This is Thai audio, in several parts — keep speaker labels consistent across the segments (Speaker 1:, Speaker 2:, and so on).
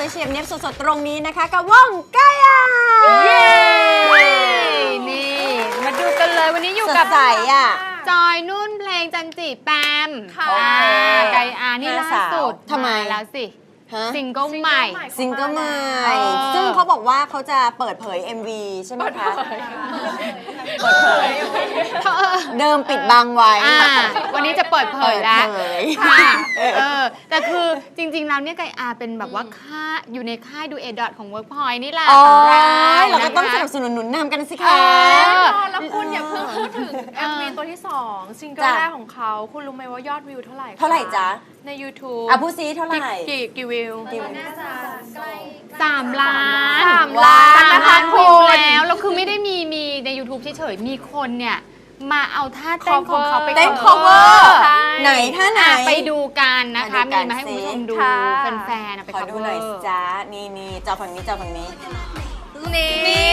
Speaker 1: วยเฉียบเนียบสดๆตรงนี้นะคะกับวงไก่อา
Speaker 2: เย้นี่มาดูกันเลยวันนี้อยู่กับ
Speaker 1: สดใสอ่ะ
Speaker 2: จอยนุ่นเพลงจันจิแปม
Speaker 1: ค่ะ
Speaker 2: ไก่อานี่ล่าสุด
Speaker 1: ทำไม
Speaker 2: แล้วสิ
Speaker 1: ฮะ
Speaker 2: ซิงเกิลใหม่
Speaker 1: ซิงเกิลใหม่
Speaker 2: เออ
Speaker 1: ซึ่งเขาบอกว่าเขาจะเปิดเผย MV ใช่ไหมคะเปิดเผยเดิมปิดบังไว้
Speaker 2: วันนี้จะเปิดเผยแล้ว
Speaker 1: เปิดเผย
Speaker 2: ค่ะแต่คือจริงๆแล้วเนี่ยไก่อาเป็นแบบว่าอยู่ในค่ายดูเอดอทของ Workpoint นี่แหละ
Speaker 1: อ๋อ
Speaker 2: ของ
Speaker 1: เราก็ต้องส
Speaker 2: นะคะ
Speaker 1: นับสนุนหนุนนำกันสิ
Speaker 2: เอ
Speaker 1: คะ
Speaker 2: อ
Speaker 3: แล้วคุณอย่าเพิ่งพูดถึง MV ตัวที่ 2 ซิงเกิล
Speaker 1: จ้ะ
Speaker 3: แรกของเขาคุณรู้ไหมว่ายอดวิวเท่าไหร่คะ
Speaker 1: เท่าไหร่จ๊ะ
Speaker 3: ใน YouTube
Speaker 1: อ่ะพูดซิเท่าไหร่
Speaker 3: กี่วิว
Speaker 2: 3 ล้าน
Speaker 3: 3 ล้าน
Speaker 2: 3
Speaker 3: นะคะ
Speaker 2: ล้าน
Speaker 3: คุ
Speaker 2: วิว
Speaker 3: ณ
Speaker 2: แล้วคือไม่ได้มีใน YouTube เฉยๆ มีคนเนี่ย มาเอาท่าเต้นของเขาไป
Speaker 1: เต้น
Speaker 2: cover
Speaker 1: cover
Speaker 3: ใช่
Speaker 1: ไหนท่าไหน
Speaker 2: ไปดูกันนะคะ
Speaker 1: ไปดูกั
Speaker 2: มี
Speaker 1: น
Speaker 2: มาให้คุณผู้ชมดู
Speaker 3: ค่ะ
Speaker 2: แฟนๆไป
Speaker 1: ขอ
Speaker 2: cover
Speaker 1: ดูหน่อยสิจ๊ะนี่จอฝั่งนี้จอฝั่งนี้
Speaker 3: นี่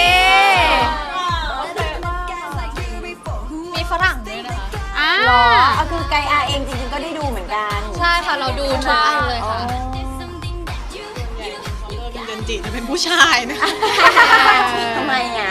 Speaker 4: มีฝรั่งด้วยนะคะ
Speaker 2: อ้า
Speaker 1: หรอเอาคือไกอาเองจริงๆก็ได้ดูเหมือนกัน
Speaker 4: ใช่ค่ะ เราดูทุกอันเลยค่ะ
Speaker 5: จันจิจะเป็นผู้ชายนะ
Speaker 1: ทำไมอ่ะ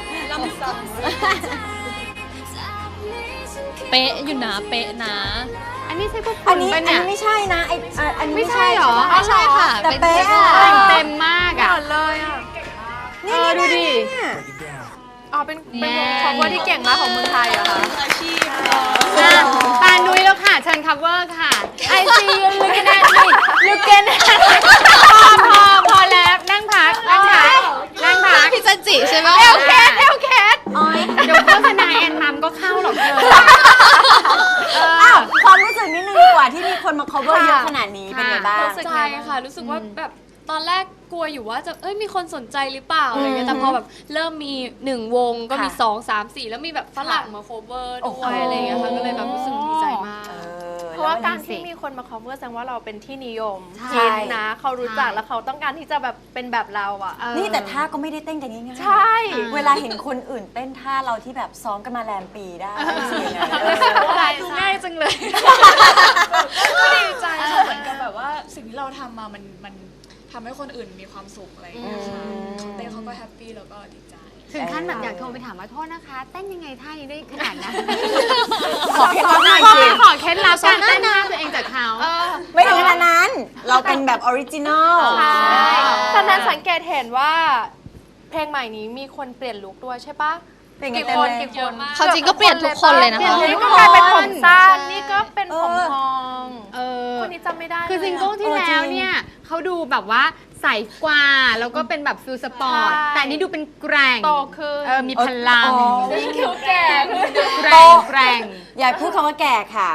Speaker 4: เป๊ะอยู่นะ เป๊ะนะ
Speaker 2: อันนี้ใช่พวก
Speaker 1: อั
Speaker 2: คุ
Speaker 1: น
Speaker 2: ณ
Speaker 1: นี้
Speaker 2: ปะ
Speaker 1: อัน
Speaker 2: เนี่ย
Speaker 1: นี้ไม่ใช่นะอันนี้
Speaker 2: ไม่ใช่เหรอ
Speaker 1: ใช่
Speaker 4: ใช่ค่ะ
Speaker 1: แต่
Speaker 4: เป็น
Speaker 1: เป๊ะอ่ะ
Speaker 2: แต่งเต็มมาก
Speaker 3: ห
Speaker 2: อ่ะ
Speaker 3: มดเลยอ่ะ
Speaker 1: นี่
Speaker 2: ดูดิ
Speaker 1: เนี่ย
Speaker 3: อ๋อเป็นวง cover ที่เก่งมากของเมืองไทยเหรอคะ
Speaker 5: อาชีพ
Speaker 2: ปานนุ้ยแล้วค่ะ เชิญ cover ค่ะ I see you looking at me looking at me พอแล้วนั่งพัก
Speaker 4: พี่จันจิใช่ไหม
Speaker 2: เอลเคส
Speaker 1: อ๋อย
Speaker 2: เดี๋ยวโฆษณาแอนมัมก็เข้าหรอกเธอ
Speaker 1: อ้าวความรู้สึกนิดนึงดีกว่าที่มีคนมา cover เยอะขนาดนี้เป็นไงบ้าง
Speaker 4: รู้สึกใจค่ะ รู้สึกว่าแบบตอนแรกกลัวอยู่ว่าจะมีคนสนใจหรือเปล่าอะไรเงี้ย แต่พอแบบเริ่มมี1วงก็มี
Speaker 1: ค่ะ
Speaker 4: 2 3 4 แล้วมีแบบฝรั่งมาโคเวอร์
Speaker 1: โอ้
Speaker 4: ด้
Speaker 1: โห
Speaker 4: วยอะไรเงี้ยค่ะ ก็เลยแบบรู้สึกดีใจมาก
Speaker 3: เพราะว่าการที่มีคนมา cover แสดงว่าเราเป็นที่นิยม
Speaker 1: ใช่
Speaker 3: ฮิตนะเขารู้จักแล้วเขาต้องการที่จะแบบเป็นแบบเราอ่ะ
Speaker 1: นี่แต่ท่าก็ไม่ได้เต้นกันง่ายๆ
Speaker 3: ใช่
Speaker 1: เวลาเห็นคนอื่นเต้นท่าเราที่แบบซ้อมกันมาแรมปีได้รู้สึกยังไง
Speaker 4: ดูง่ายจังเลย
Speaker 5: ก็ดีใจค่ะเหมือนกับแบบว่าสิ่งที่เราทำมามันทำให้คนอื่นมีความสุขอะไรอย่างเงี้ยค่ะเขาเต้นเขาก็แฮปปี้แล้วก็ดีใจ
Speaker 2: ถึงขั้นแบบอยากโทรไปถามว่าโทษนะคะ เต้นยังไงท่านี้ได้ขนาดนั้น
Speaker 1: ขอเคล็ดลับหน่อย
Speaker 2: ขอ
Speaker 1: สิ
Speaker 2: ขอเคล็ดลับการเต้นท่าตัวเองจากเขา
Speaker 1: ไม่ถึงขนาดนั้น เราเป็นแบบออริจินอล
Speaker 3: ใช่ตอนนั้นสังเกตเห็นว่า เพลงใหม่นี้มีคนเปลี่ยนลุคด้วยใช่ปะ
Speaker 1: เป็นไง
Speaker 3: กี่
Speaker 1: เต็ม
Speaker 3: คน
Speaker 1: เลย
Speaker 3: กี่คน
Speaker 4: เขาจริงก็เปลี่ยนทุกคนเลยนะ
Speaker 3: เปลี่ยน
Speaker 4: คะ
Speaker 3: นี่ก็กลายเป็นผมสั้นนี่ก็เป็นผมทอง
Speaker 2: เออ
Speaker 3: คนนี้จำไม่ได้
Speaker 2: คือซิงเกิลที่
Speaker 1: เออ
Speaker 2: แล้ว
Speaker 1: จริง
Speaker 2: เนี่ยเขาดูแบบว่าใสกว่าแล้วก็เป็นแบบฟิลสปอร์ต
Speaker 3: ใช่
Speaker 2: แต่อันนี้ดูเป็นแกร่ง
Speaker 3: โตขึ้น
Speaker 2: มีพลัง
Speaker 1: อ๋อ
Speaker 3: คิ้วแก่
Speaker 2: แกร่งแกร่ง
Speaker 1: อย่าพูดคำว่าแก่ค่ะ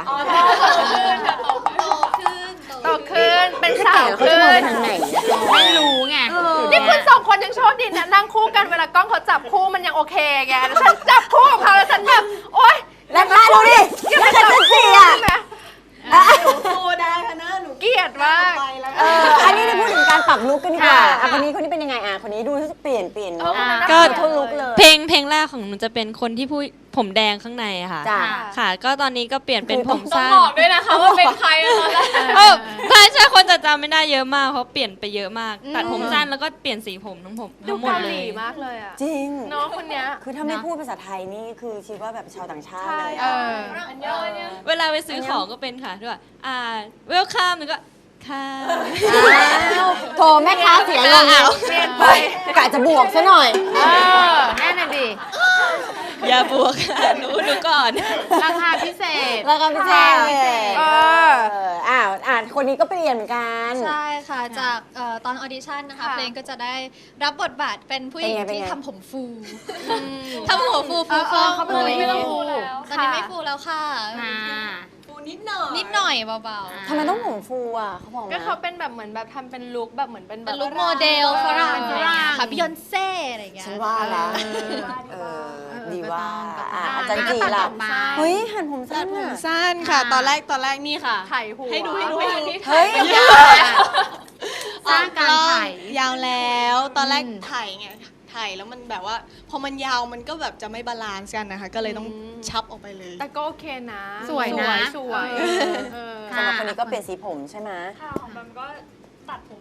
Speaker 3: โตขึ้นเป็นสาว
Speaker 1: เขาจะ
Speaker 3: ขึ้
Speaker 1: มองไป
Speaker 3: น
Speaker 1: ทางไหน
Speaker 2: ไม่รู้ไง
Speaker 3: นี่คุณสองคนยังโชคดีนะนั่งคู่กันเวลากล้องเขาจับคู่มันยังโอเคไงแต่ฉันจับคู่กับเขาแล้วฉันแบบโอ๊ย
Speaker 1: แล้วมาดูดิยังไม่ทันจะเสีย
Speaker 3: ใช่ไหม
Speaker 5: โตได้ค่ะนะหนู
Speaker 3: เกลียดมาก
Speaker 5: ไปแล้ว
Speaker 1: อันนี้ได้พูดถึงการปรับลุคกันดีกว่า
Speaker 2: ค่ะ
Speaker 1: อ่ะคนนี้เป็นยังไงอ่ะคนนี้ดูรู้สึกเปลี่ยน
Speaker 4: ก็
Speaker 1: ทุกลุคเลย
Speaker 6: เพลงแรกของหนูจะเป็นคนที่ผู้ผมแดงข้างในอะค่ะ
Speaker 1: จ้ะ
Speaker 6: ค่ะ ก็ตอนนี้ก็เปลี่ยนเป็น
Speaker 1: คือ
Speaker 6: ผม
Speaker 4: ต้อง
Speaker 6: สั้น
Speaker 4: บอกด้วยนะคะว่าเป็นใครอะตอนแรก
Speaker 6: ใช่คนจะจำไม่ได้เยอะมากเพราะเปลี่ยนไปเยอะมาก ตัดผมสั้นแล้วก็เปลี่ยนสีผมทั้งผม
Speaker 3: ดู
Speaker 6: ทั้งหมด
Speaker 3: เกา
Speaker 6: เล
Speaker 3: หลี
Speaker 6: ย
Speaker 3: มากเลยอ่ะ
Speaker 1: จริง
Speaker 3: น้องคนเนี้ย
Speaker 1: คือถ้าไม่พูดภาษาไทยนี่คือคิดว่าแบบชาวต่างชาติ
Speaker 3: ใช่
Speaker 1: เลย
Speaker 2: เอ
Speaker 1: อะ
Speaker 2: อ
Speaker 6: เวลาไปซื้อของก็เป็นค่ะด้วยwelcome แล้วก็ค่ะ
Speaker 1: อ้าวโถแม่ค้าเสียลง
Speaker 3: เปลี่ยนไป
Speaker 1: กะจะบวกซะหน่อย
Speaker 2: แน่นอนดิ
Speaker 6: อย่าบวกค่ะหนูก่อน
Speaker 2: ราคาพิเศษ
Speaker 1: แล้วก็พี่แจ้ง
Speaker 3: เออ
Speaker 1: คนนี้ก็เปลี่ยนเหมือนกัน
Speaker 4: ใช่ค่ะ จากตอนออดิชั่นนะคะ
Speaker 3: ค่ะ
Speaker 4: เพลงก็จะได้รับบทบาทเป็นผู้หญิง
Speaker 1: เป็นไง
Speaker 4: ที่
Speaker 1: เป็นไง
Speaker 4: ทำผมฟูทำหัวฟูฟู
Speaker 3: เออเขาเป็นคนที่ฟูแล้ว
Speaker 4: ตอนนี้ไม่ฟูแล้วค่ะ
Speaker 2: ค่ะ
Speaker 5: ปูนิดหน่อย
Speaker 4: นิดหน่อยเบา
Speaker 1: ทำไมต้องผมฟูอ่ะเขาบอก
Speaker 3: ก็
Speaker 1: นะ
Speaker 3: เขาเป็นแบบเหมือนแบบทำเป็นลุคแบบเหมือนเป็น
Speaker 4: ๆ
Speaker 3: แบ
Speaker 4: เป็น
Speaker 3: บ
Speaker 4: ลุคโมเดลฝรั่ง
Speaker 2: เป็นฝ
Speaker 4: อะไร
Speaker 2: รั่ง
Speaker 4: เงี้ยค่ะบิยอนเซ่อะไรเงี้ย
Speaker 1: ฉันว่าแล้วดีว่าอาจารย์จีล่ะ
Speaker 2: มา
Speaker 1: เฮ้ยหันผมสั้น
Speaker 5: ผม
Speaker 1: อ่ะ
Speaker 5: สั้นค่ะ ตอนแรกนี่ค่ะ
Speaker 3: ไถ่หัว
Speaker 5: ให้ดู
Speaker 1: เฮ้ย
Speaker 2: สร้างการถ่าย
Speaker 5: ยาวแล้วตอนแรก
Speaker 2: อืม
Speaker 5: ถ่ายไงถ่ายแล้วมันแบบว่า พอมันยาวมันก็แบบจะไม่บาลานซ์กันนะคะ ก็เลยต้องชับออกไปเลย
Speaker 3: แต่ก็โอเคนะ
Speaker 2: สวยนะ
Speaker 3: สวย
Speaker 2: เออ
Speaker 3: เออ
Speaker 1: สำหรับคนนี้ก็เปลี่ยนสีผมใช่ไหม
Speaker 7: ค่ะของแบมก็ตัดผมแ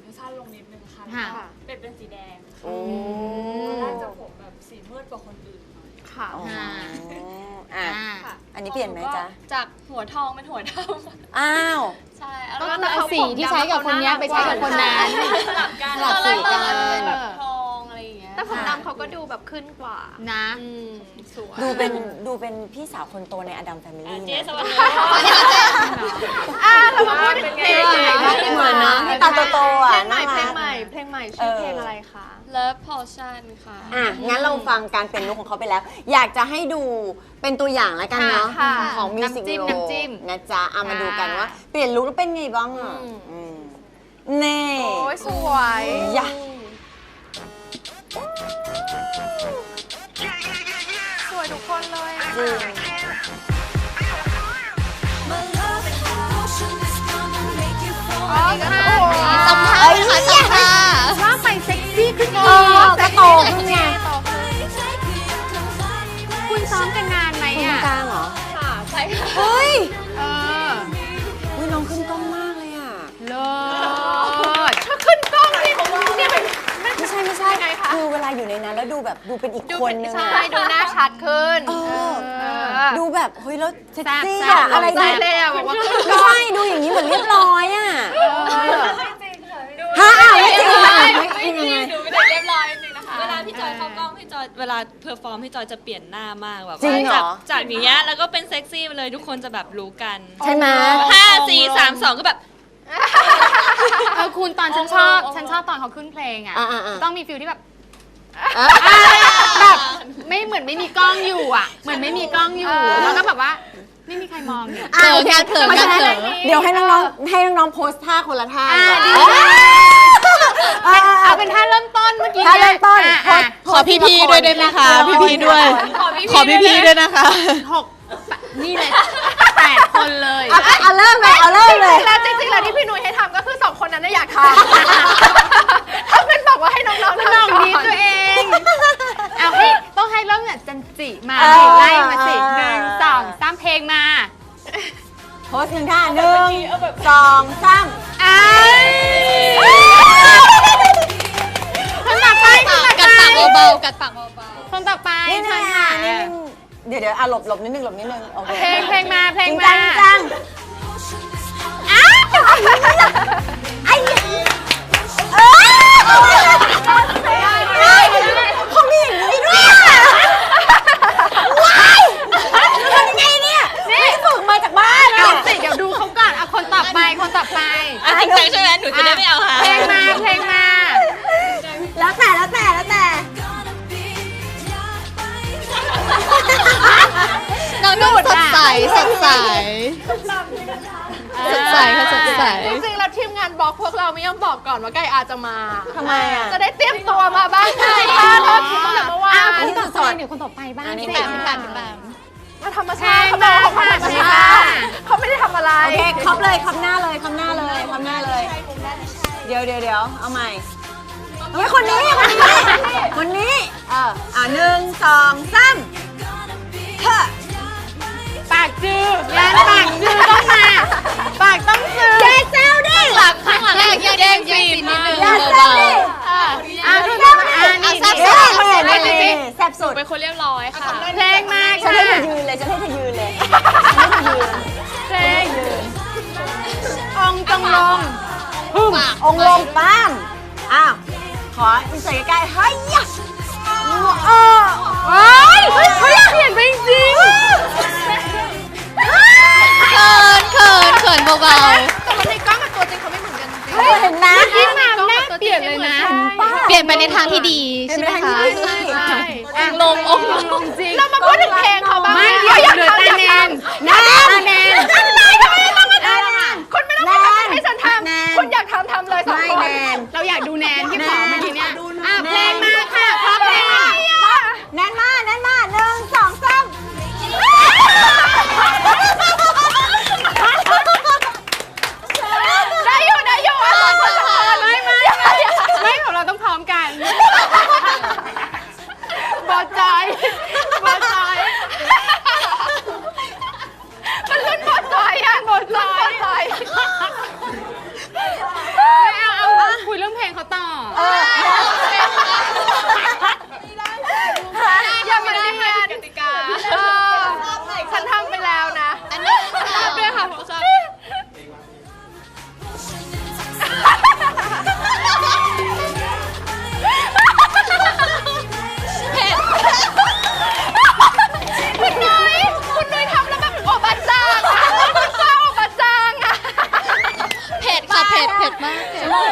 Speaker 5: สั้นลงนิดนึงค่ะ
Speaker 2: ค่ะ
Speaker 5: แล้วก็เป็นสีแดง
Speaker 1: โอ้
Speaker 5: ตอนแรกจะผมแบบสีมืดกว่าคนอื่นหน่อย
Speaker 3: ค่ะ
Speaker 1: อ๋อ
Speaker 2: ค่ะ
Speaker 1: อ่ะ
Speaker 2: อ่า
Speaker 1: อันนี้เปลี่ยนไหมจ๊ะ
Speaker 4: จากหัวทองเป็นหัวด
Speaker 1: อ้าว
Speaker 4: ำใช่
Speaker 2: ก็คือเอาสีที่ใช้กับคนเนี้ยไปใช้กับคนนั้น
Speaker 4: สลับกัน
Speaker 2: สลับสีกัน
Speaker 4: เป็นแบบทองอะไรอย่างเงี้ย
Speaker 3: แต่ผมดำเขาก็ดูแบบขึ้นกว่า
Speaker 2: นะ
Speaker 3: สวย
Speaker 1: ดูเป็นพี่สาวคนโตในอดัมแฟมิลี่
Speaker 6: เจ๊
Speaker 1: นะ
Speaker 6: สวัสดี
Speaker 3: เรามาพูดถึงเพลงใหม่
Speaker 1: เหมือนนะพี่ตาโตๆ
Speaker 3: เพ
Speaker 1: อ่ะ
Speaker 3: ลงใหม่
Speaker 1: น่า
Speaker 3: เพล
Speaker 1: รั
Speaker 3: ง
Speaker 1: ก
Speaker 3: ใหม่เพลงใหม่ชื่อเพลงอะไรคะ
Speaker 4: Love Potion ค่ะ
Speaker 1: อ่ะ งั้นเราฟังการเปลี่ยนลุคของเขาไปแล้ว อยากจะให้ดูเป็นตัวอย่างแล้วกันเนาะ
Speaker 3: ค่ะ
Speaker 1: ของมิวสิกวิดีโอ
Speaker 2: น้ำจิ้ม
Speaker 1: นะจ๊ะเอามาดูกัน
Speaker 2: ค่ะ
Speaker 1: ว่า เปลี่ยนลุคแล้วเป็นไงบ้างอ่ะเน่
Speaker 3: โอ้ยสวย
Speaker 1: ยะ
Speaker 3: สวยทุกคนเลยอะ
Speaker 1: จริง
Speaker 3: อ๋อค่ะ
Speaker 2: สัมภาษณ์ค่ะสัมภาษณ์ว่าไปเซ็กซี่ขึ้นอีก
Speaker 1: ก็โตขึ้นไง
Speaker 2: คุณซ้อมกันนานไหม
Speaker 1: คุณ
Speaker 2: อ่ะ
Speaker 1: กลางเหรอ
Speaker 4: ค่ะใช่ค่ะ
Speaker 1: เฮ้ย
Speaker 2: เออ
Speaker 1: อุ้ยน้องขึ้นกล้องมากเลยอ่ะ
Speaker 2: เลิศ
Speaker 3: ถ้าขึ้นกล้องนี่เนี่ยเป็น
Speaker 1: ไม่ใช่ไงคะ คือเวลาอยู่ในนั้นแล้วดูแบบดูเป็นอีกคนนึง
Speaker 3: ใช่
Speaker 1: อ่ะ
Speaker 3: ดูหน้าชัดขึ้น
Speaker 1: เออ ดูแบบเฮ้ยแล้วเซ็กซี่
Speaker 2: แซ่บ
Speaker 1: อะ
Speaker 2: ๆ
Speaker 1: อะไร
Speaker 3: ใช่
Speaker 1: เนี่ย
Speaker 3: เลยอะบอกว่าขึ้นก
Speaker 1: ไม่
Speaker 3: ล้อง
Speaker 1: ใช่ดูอย่างนี้เหมือนเรียบร้อยอ่ะฮะไม่จริงเหรอ
Speaker 6: ไม่จริงหนูไม่ได้เรียบร้อยจริงๆนะคะ เวลาพี่จอยเข้ากล้องพี่จอยเวลาเพอร์ฟอร์มพี่จอยจะเปลี่ยนหน้ามากแบบ
Speaker 1: จริงเหรอ
Speaker 6: จากอย่างเงี้ยแล้วก็เป็นเซ็กซี่ไปเลยทุกคนจะแบบรู้กัน
Speaker 1: ใช่ไหม
Speaker 6: 5 4 3 2 ก็แบบ
Speaker 2: คุณตอนฉันชอบตอนเขาขึ้นเพลงอ่ะ
Speaker 1: อ่าๆ
Speaker 2: ต้องมีฟิลที่แบบ
Speaker 1: อ่ะ
Speaker 2: แบบไม่เหมือนไม่มีกล้องอยู่อ่ะ เหมือนไม่มีกล้องอยู่ แล้วก็แบบว่าไม่มีใครมองอยู่
Speaker 1: อ่ะโอเคเพราะฉะนั้นเดี๋ยวให้น้องๆโพสท่าคนละท่า
Speaker 2: อ่ะ
Speaker 1: ดี
Speaker 2: ดี
Speaker 1: กว่าอ่ะ
Speaker 2: เอาเป็นท่าเริ่มต้นเมื่อกี้
Speaker 1: ท่าเริ่มต้น
Speaker 2: อ่ะ
Speaker 1: โพสพี่ๆด้วยได้ไหมคะพี่ๆด้วย
Speaker 6: ขอพี่ๆด้วยนะคะ
Speaker 2: 6นี่เลย8 คนเลย
Speaker 1: เอาเริ่มเลยเอาเริ่มเลย
Speaker 3: แล้วจริงๆแล้วที่พี่นุ้ยให้ทำก็คือ2คนนั้นน่ะอยากทำถ้าเป็นบอกว่าให้น้องๆทำ
Speaker 2: ลอง
Speaker 3: ก่อน
Speaker 2: ดีตัวเองเอาให้ต้องให้เริ่มจากจันจิมา
Speaker 1: เออ
Speaker 2: ไล่มาสิ1 2 3เพลงมา
Speaker 1: โพสหนึ่งท่า1 2 3
Speaker 2: อ้คนต่อไปกัดปากเบาๆกัดปากเบาๆคนต่อไป
Speaker 1: นี่
Speaker 2: เชิ
Speaker 1: นะ
Speaker 2: ญค่ะ
Speaker 1: นี่เดี๋ยวหลบนิดนึงโอเค
Speaker 2: เพลงมาเพลง
Speaker 1: จริง
Speaker 2: มา
Speaker 1: จังอ้าวไอ้เออเขามีอย่างนี้ด้วยว้ายทำยังไงเนี่ยไม่ฝึกมาจากบ้าน
Speaker 2: เอาสิเดี๋ยวดูเขาก่อนเอาคนต่อไปคนต่อไป
Speaker 6: อ่ะจริงจังใช่ไหมหนูจะได้ไม่เอาหา
Speaker 2: เพลงมาเพลงมา
Speaker 1: แล้วแต่
Speaker 2: น้องนุ่นสดใสสดใสสดใสค่ะสดใส
Speaker 3: จริงๆแล้วทีมงานบล็อกพวกเราไม่ยอมบอกก่อนว่าไก่อาจจะมา
Speaker 1: ทำไมอ่ะ
Speaker 3: จะได้เตรียมตัวมาบ้างไงโทษทีตั้งแต่เมื่อวา
Speaker 1: อัน
Speaker 3: น
Speaker 1: นี้สด
Speaker 2: เดี๋ยวคนต่อไปบ้าง
Speaker 1: อันนี้
Speaker 2: สิ
Speaker 1: แบบ
Speaker 3: มาธรรมชาติเขาบอกของธรรม
Speaker 2: เพลง
Speaker 3: ชา
Speaker 2: มา
Speaker 3: ติเขาไม่ได้ทำอะไร
Speaker 1: โอเคครบเลยครบหน้าเลยเดี๋ยวเอาใหม่เฮ้ยคนนี้1 2 3เฮ้อ
Speaker 2: ปากจือยันปากจือต้องมาปากต้องจือ
Speaker 1: อย่าแซวดิ
Speaker 2: ข้างหลังแย่งซีนนิดนึง
Speaker 1: อย่าแซวดิ
Speaker 2: ทุกคนนี่
Speaker 1: แซ่บแซ่บสุด
Speaker 6: เป็นคนเรียบร้อยค่ะ
Speaker 2: เพลงมา
Speaker 1: ฉัน
Speaker 2: ค่ะ
Speaker 1: ให้เธอยืนเลย
Speaker 2: เพลงองค์จงลง
Speaker 1: องค์ลงป้ามอ้าวขออินเสิร์ตใกล้ๆเฮ้ยยะ
Speaker 2: เฮ้ยเปลี่ยนไปจริงเขินเบา
Speaker 3: แต่ว่าในกล้องกับตัวจริงเขาไม่เหมือนกันจริง
Speaker 1: เห็นไหม
Speaker 2: ๆที่มาหน้าเปลี่ยนเลยนะ เปลี่ยนไปในทางที่ดีใช่ไหมคะ
Speaker 3: ใช่
Speaker 2: ลงจริง
Speaker 3: เรามาพูดถึงเพลงเขาบ้าง
Speaker 2: ไม่
Speaker 3: เดี๋ยว
Speaker 2: เหลือตาแนน
Speaker 3: คุณไม่ต้องมาทำให้ฉันทำคุณอยากทำเลยสอง
Speaker 1: ไม่
Speaker 3: คน
Speaker 1: แนน
Speaker 2: เราอยากดูแนนที่ขอเมื่อกี้เนี่ยเพลงมาค่ะขอเพลง
Speaker 1: แนนมา1 2 3
Speaker 3: ได้อยู่อ่ะสองคนละคน
Speaker 2: ไม่ของเราต้องพร้อมกัน
Speaker 3: บอใจมันเล่นบอใจอ่ะบอใจ
Speaker 2: เอาคุยเรื่อง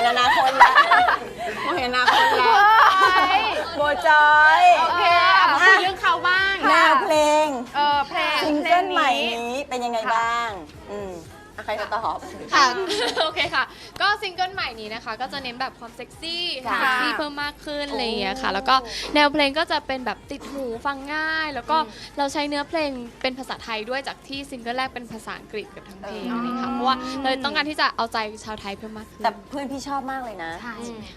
Speaker 1: อนาคตแล้วมองเห็นอนาคตแล้วโบจอย
Speaker 2: โอเคมาคุยเรื่องเขาบ้าง
Speaker 1: แนวเพลง
Speaker 3: เพลง
Speaker 1: ซิงเกิลใหม่นี้เป็นยังไงบ้างใครจะตอบ
Speaker 4: ค่ะ โอเคค่ะ ก็ซิงเกิลใหม่นี้นะคะ ก็จะเน้นแบบความเซ็กซี่
Speaker 1: ค่ะ
Speaker 4: เซ็กซี่เพิ่มมากขึ้นอะไรอย่างเงี้ยค่ะ แล้วก็แนวเพลงก็จะเป็นแบบติดหูฟังง่าย แล้วก็เราใช้เนื้อเพลงเป็นภาษาไทยด้วยจากที่ซิงเกิลแรกเป็นภาษาอังกฤษกับทั้งเพลงอะไรอย่างเงี้ยค่ะ เพราะว่าเราต้องการที่จะเอาใจชาวไทยเพิ่มมากขึ้น
Speaker 1: แต่เพื่อนพี่ชอบมากเลยนะ
Speaker 2: ใช่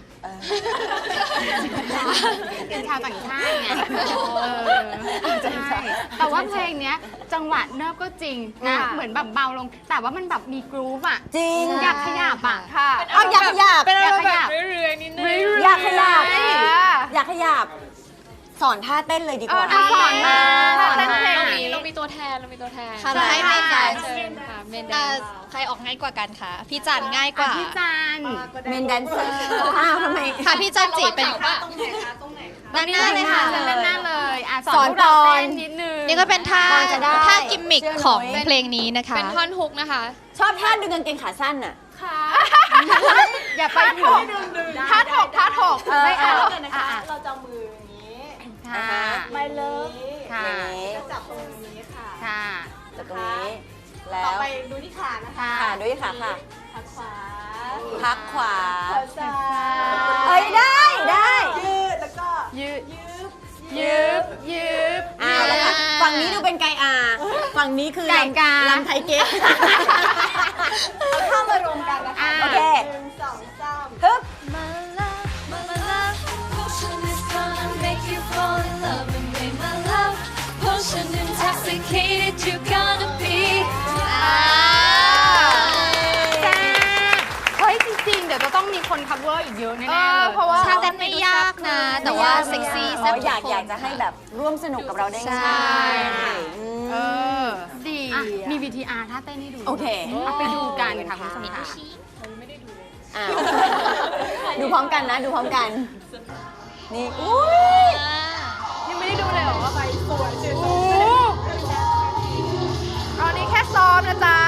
Speaker 1: เป็นชาวต่างชาติไง
Speaker 2: ใช่แต่ว่าเพลงเนี้ยจังหวะเนิบก็จริงนะ เหมือนแบบเบาลง แต่ว่ามันแบบมีกรูฟอ่ะ
Speaker 1: จริง
Speaker 2: อยากขยับอ่ะ
Speaker 3: ค่ะ
Speaker 1: เอาอยากขยับ
Speaker 4: เป็นอารมณ์
Speaker 2: อยากขยั
Speaker 4: แบบ บเรื่อยๆนิดนึง
Speaker 1: อยากขยับอยากขยับสอนท่าเต้นเลยดีกว่า
Speaker 2: สอนมา
Speaker 3: เต้นเพลง
Speaker 4: เรามีตัวแทน
Speaker 7: ค่ะเราให้เมนแดนซ์
Speaker 4: เชิญค่ะเมนแดนซ์
Speaker 7: ใครออกง่ายกว่ากันคะพี่จันง่ายกว่า
Speaker 2: พี่จัน
Speaker 1: เมนแดนเซอร์อ้าวทำไม
Speaker 7: ค่ะพี่จันจีเป็นด้านหน้าเลยค่ะ
Speaker 2: เล่นหน้าเลยส
Speaker 1: ส
Speaker 2: อ
Speaker 1: อน น
Speaker 2: พวกเรา
Speaker 1: ก่อน
Speaker 2: เต้นนิดนึง
Speaker 7: นี่ก็เป็นท่า
Speaker 1: ก่อนจะได้
Speaker 7: ท่ากิมมิค
Speaker 1: เชื่อหนู
Speaker 7: ของเพลงนี้นะคะ
Speaker 4: เป็นท่อนฮุกนะคะ
Speaker 1: ชอบท่าดึงกางเกงขาสั้นอ่ะ
Speaker 2: อย่าไปถึง
Speaker 3: ท่าถก
Speaker 2: ไม่เอา
Speaker 8: เราจะมืออย่างนี้
Speaker 2: ค่ะ
Speaker 8: ไม่เลิฟ
Speaker 2: ค่ะ
Speaker 8: จะจับตรงนี้ค่ะ
Speaker 2: ค่ะ
Speaker 1: จากตรงนี้ แล้
Speaker 8: ต่อ
Speaker 1: ว
Speaker 8: ไปดูที่ขานะคะ
Speaker 1: ค่ะด้วยค่ะค่ะ
Speaker 8: ขาขวา
Speaker 1: พักขวา
Speaker 8: ขาซ้าย
Speaker 1: เอ้ยได้ได้
Speaker 8: ยืดแล้วก็
Speaker 2: ยืด
Speaker 8: ยืบ
Speaker 2: ยืบ
Speaker 1: แล้วค่ะฝั่งนี้ดูเป็นไกอาฝั่งนี้คือ
Speaker 2: ไก่กา
Speaker 1: ลำไทยเก๊ก
Speaker 8: เอาเข้ามารวมกันนะคะ
Speaker 1: โอเค
Speaker 8: 1 2 3
Speaker 1: ฮึบ
Speaker 2: เฮ้ยจริงๆ เดี๋ยวจะต้องมีคน cover อีกเยอะแน่ๆเลย
Speaker 3: เพราะว่า
Speaker 7: ท่าเต้นไม่ยากนะ แต่ว่าเซ็กซี่
Speaker 1: อ๋
Speaker 7: แซ่
Speaker 1: อบ อยาก
Speaker 7: ทุกคน
Speaker 1: อยากจะให้แบบร่วมสนุกกับเราได้
Speaker 7: ใช่
Speaker 1: ง่ายอืม
Speaker 2: เออ ดีมี VTR ถ้าเต้นให้ดู
Speaker 1: โอเค
Speaker 2: เอาไปดูกันค่ะคุณผู้ชมค่ะ
Speaker 1: อ่ะดูพร้อมกันนะ ดูพร้อมกัน นี่อุ้ย
Speaker 3: ยังไม่ได้ดูเลยเหรอว่าไปสวยสวยตอนนี้แค่ซ้อมนะจ๊ะ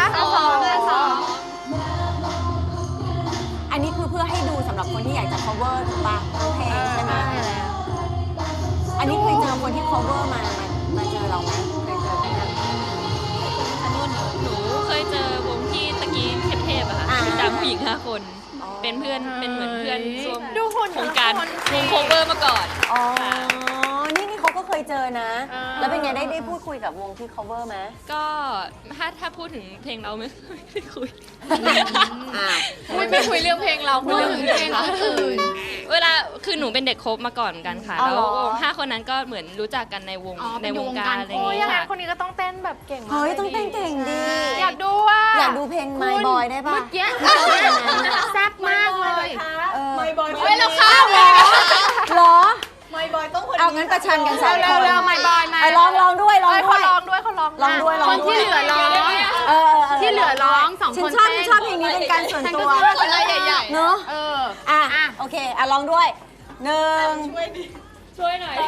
Speaker 1: อันนี้คือเพื่อให้ดูสำหรับคนที่อยากจะ cover ถูกปะทั้งเพลงใช่ไหมอันนี้เคยเจอคนที่ cover มาเจอเราไหมเคยเจอไหมคะ
Speaker 6: หนูเคยเจอวงที่ตะกี้เทพๆอะค่ะ
Speaker 1: อ่า
Speaker 6: มีตามผู้หญิง5 คน
Speaker 1: อ๋อ
Speaker 6: เป็นเพื่อนเป็นเหมือนเพื่อนร่วม
Speaker 3: ดูหุ่น
Speaker 6: โครงการ
Speaker 3: แต่ละคนสิ
Speaker 6: วงโคเวอร์มาก่อน
Speaker 1: อ๋อ นี่เขาก็เคยเจอนะ แล้วเป็นไงได้พูดคุยกับวงที่ cover ไหม
Speaker 6: ก็ถ้าพูดถึงเพลงเราไม่ได้คุย
Speaker 1: อ่า
Speaker 4: ไม่คุยเรื่องเพลงเราคุยเรื่องเพลงคนอื่น
Speaker 6: เวลาคือหนูเป็นเด็กคบมาก่อนกันค่ะ
Speaker 1: อ๋อ
Speaker 6: แล้ว
Speaker 1: เหรอ
Speaker 6: วง5 คนนั้นก็เหมือนรู้จักกันในวง
Speaker 2: อ๋อ
Speaker 6: ในวง
Speaker 2: เป็นวง
Speaker 6: การ
Speaker 2: การ
Speaker 6: อะไรอ
Speaker 3: โอ้
Speaker 6: ย่าง
Speaker 3: ย
Speaker 6: เงี้
Speaker 3: ยัง
Speaker 6: ย
Speaker 3: ไง
Speaker 6: ค่ะ
Speaker 3: คนนี้ก็ต้องเต้นแบบเก่งมาก
Speaker 1: เฮ้ย ต้องเต้นเก่งดี
Speaker 3: อยากดูอ่ะ
Speaker 1: อยากดูเพลง My Boy ได้ปะ
Speaker 2: เมื่อกี้แซ่บมากเลย
Speaker 8: ไม่บอย
Speaker 2: เฮ้ยเราข้าวเหรอ
Speaker 1: เหรอ
Speaker 8: ไม่บอยต้องคน
Speaker 1: เอางั้นประชันกันสามคน
Speaker 2: เร็วๆ My Boy มา
Speaker 1: เอาลองด้วยลอง
Speaker 3: เอ้ย
Speaker 1: ด้
Speaker 3: เขา
Speaker 1: วย
Speaker 3: ร้องด้วยเขาร้อง
Speaker 1: ลองด้วยลอง
Speaker 2: คน
Speaker 1: ด้ว
Speaker 2: ที่
Speaker 1: ย
Speaker 2: เหลือร้อง ที่เหลือร้องสอง
Speaker 1: ฉั
Speaker 2: คน น
Speaker 1: ชอบ
Speaker 2: เต้น
Speaker 1: ชอบเพลงนี้เป็นการส่วนตัว
Speaker 2: คนละใหญ่
Speaker 1: เนอะ
Speaker 2: ๆ เออ
Speaker 1: อ่ะโอเคอ่ะลองด้วย1
Speaker 6: ช่วยหน่อย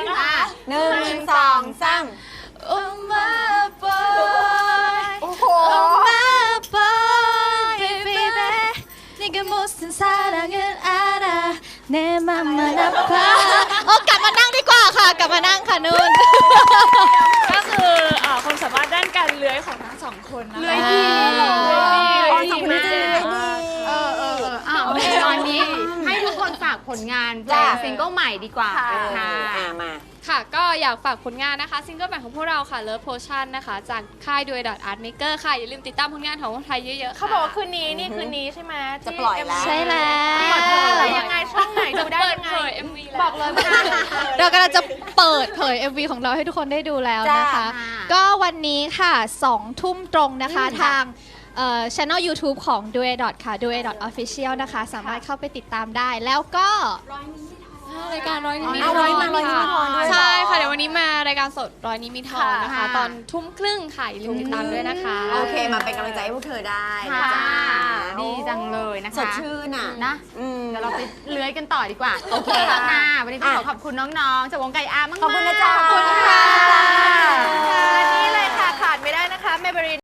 Speaker 1: 1 2 3
Speaker 7: Oh my boy
Speaker 3: โอ้โห
Speaker 7: Oh my boy baby 네가 무슨 사랑을 알아 내 맘만 아파 กลับมานั่งดีกว่าค่ะ กลับมานั่งค่ะนุ่น
Speaker 5: ก็คือความสามารถด้านการเลื้อยของทั้งสองคนนะคะ
Speaker 2: เลื้อยดีเหรอ
Speaker 1: อ๋อสองคนนี้จะเลื้อยดี
Speaker 2: โอเคตอนนี้ให้ทุกคนฝากผลงานเพล
Speaker 1: จ้ะ
Speaker 2: งซิงเกิลใหม่ดีกว่า
Speaker 3: ค่ะ
Speaker 2: ค่ะ
Speaker 1: มา
Speaker 4: ค่ะ ก็อยากฝากผลงานนะคะซิงเกิลใหม่ของพวกเราค่ะ Love Potion นะคะ จากค่ายด้วย Art Maker ค่ะ อย่าลืมติดตามผลงานของคนไทยเยอะๆค่ะ
Speaker 3: เขาบอกว่าคืนนี้นี่คืนนี้ใช่ไหม
Speaker 1: จะปล่อยแล้ว
Speaker 7: ใช่แล้ว
Speaker 3: เปิดเผยยังไงช่องไหนดูได้
Speaker 4: เปิด
Speaker 3: ยังไง
Speaker 4: เผย MV แล้ว
Speaker 3: บอกเลยว่า
Speaker 7: เรากำลังจะเปิดเผย MV ของเราให้ทุกคนได้ดูแล้วนะคะ
Speaker 2: จ้า
Speaker 7: ก็วันนี้ค่ะ 2 ทุ่มตรงนะคะ ทางchannel YouTube ของ Duet ค่ะ Duet Official นะคะ สามารถเข้าไปติดตามได้ แล้วก็
Speaker 4: รายการร้อยนิด
Speaker 1: เอาร้อยนิดมีทองด้วย
Speaker 4: ใช่ค่ะ เดี๋ยววันนี้มารายการสดร้อยนิดมีทองนะคะ
Speaker 2: ค่ะ
Speaker 4: ตอนทุ่มครึ่งค่ะอย่าลืมติดตามด้วยนะคะ
Speaker 1: โอเค มาเป็นกำลังใจให้พวกเธอได้นะ
Speaker 2: ค่ะ
Speaker 1: จ๊ะ
Speaker 2: ดีจังเลยนะคะ
Speaker 1: สดชื่นอ่ะ
Speaker 2: นะ
Speaker 1: ม
Speaker 2: เดี๋ยวเราไปเลื้อยกันต่อดีกว่า
Speaker 1: โอเค
Speaker 2: ค่ะ วันนี้ต้องขอขอบคุณน้องๆจากวงไก่อาร์มากๆ
Speaker 1: ขอบคุณนะจ๊ะ
Speaker 2: ขอบคุณค่ะ
Speaker 3: และนี่เลยค่ะขาดไม่ได้นะคะเมเบริน